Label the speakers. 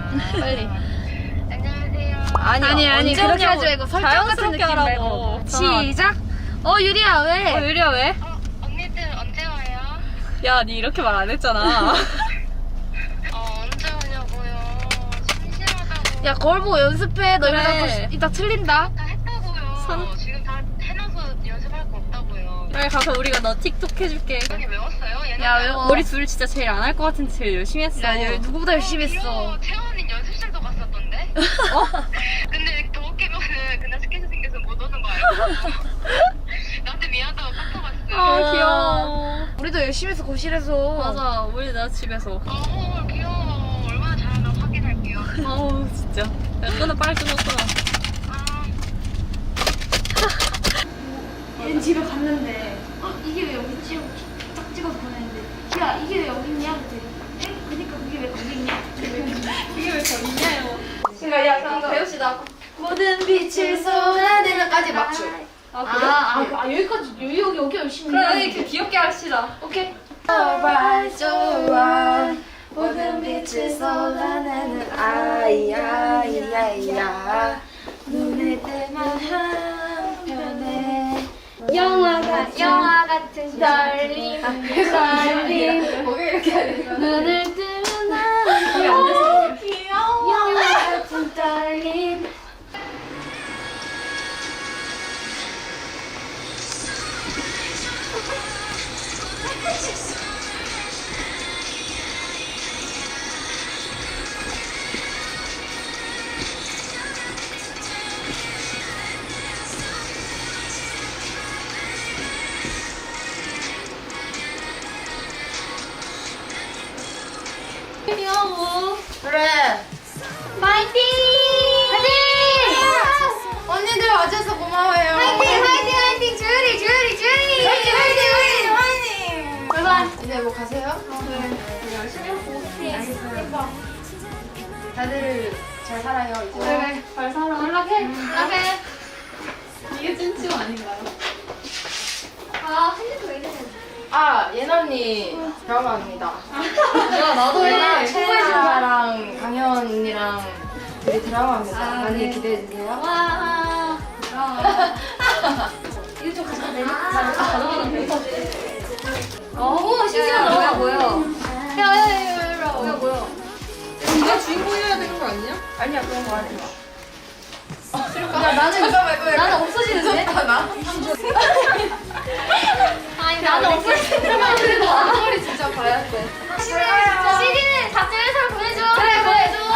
Speaker 1: 빨리.
Speaker 2: 안녕하세요.
Speaker 1: 아니 그렇게 하지 말고 설정 같은 느낌
Speaker 3: 하라고.
Speaker 1: 말고. 시작. 유리야 왜?
Speaker 3: 유리야 왜?
Speaker 2: 언니들 언제 와요?
Speaker 3: 야, 니 이렇게 말 안 했잖아.
Speaker 2: 언제 오냐고요. 심심하다고.
Speaker 1: 야 거울 보고 연습해. 너
Speaker 3: 그래.
Speaker 1: 이러다 또 이따 틀린다.
Speaker 2: 다 했다고요. 지금 다 해놔서 연습할 거 없다고요.
Speaker 3: 빨리 가서 우리가 너 틱톡 해줄게.
Speaker 2: 여기 외웠어요? 얘는
Speaker 1: 야, 외워.
Speaker 3: 우리 둘 진짜 제일 안 할 것 같은데 제일 열심히 했어.
Speaker 1: 야 누구보다 열심히 했어.
Speaker 2: 귀여워. 채원이 연습실도 갔었던데? 근데 더 웃기면은 그날 스케줄 생겨서 못 오는 거 알고 나한테 미안하다고 카톡 왔어요.
Speaker 3: 아, 귀여워.
Speaker 1: 우리도 열심히 해서 거실에서.
Speaker 3: 맞아, 우리 나 집에서.
Speaker 2: 귀여워. 얼마나 잘하나 확인할게요.
Speaker 3: 아우, 진짜. 야, 끊어, 빨리 끊어.
Speaker 2: 아,
Speaker 1: 얘는 집에 갔는데 이게 왜 여기 있지? 딱 찍어서 보냈는데 야 이게 왜 여기 있냐? 그랬더니 그니까 그게 왜 거기 있냐?
Speaker 3: 이게 왜 저기 있냐요?
Speaker 1: 그러니까 야 그럼 배웁시다. 모든 빛을 쏟아내면까지 맞춰. 여기까지 여기 열심히
Speaker 3: 그래, 이렇게 귀엽게 합시다.
Speaker 1: 오케이. 정말 좋아 모든 빛을 쏟아내는 아이야 눈을 뜨면 한편에 영화 같은 떨림 눈을 뜨면 한편에 영화 같은 떨림
Speaker 3: 귀여워.
Speaker 1: 그래 파이팅! 파이팅! 언니들 와줘서 고마워요. 파이팅! 주리! 출발! 이제 뭐 가세요? 네. 열심히 하고 알겠어요. 다들 잘 살아요 이제.
Speaker 3: 그래, 잘 살아.
Speaker 1: 연락해.
Speaker 3: 이게 찐치고 아닌가요?
Speaker 1: 예나 언니 드라마입니다.
Speaker 3: 야, 나도 해.
Speaker 1: 최혜진이랑 강현 언니랑 둘이 드라마입니다. 많이 기대해 주세요.
Speaker 3: 와.
Speaker 1: 이거 좀 가져가면 돼.
Speaker 3: 오, 신기하다. 뭐야?
Speaker 1: 야.
Speaker 3: 네가 주인공이어야 되는 거 아니야?
Speaker 1: 아니야 그런 거 하지 마. 야 나는 이거 말고
Speaker 3: 나는 없어지는데?
Speaker 1: 나?
Speaker 3: 아니, 나는 없어지는데.
Speaker 1: 그래도 앞머리 진짜 봐야 돼.
Speaker 3: CD는 답장해서 보내줘. 그래, 보내줘.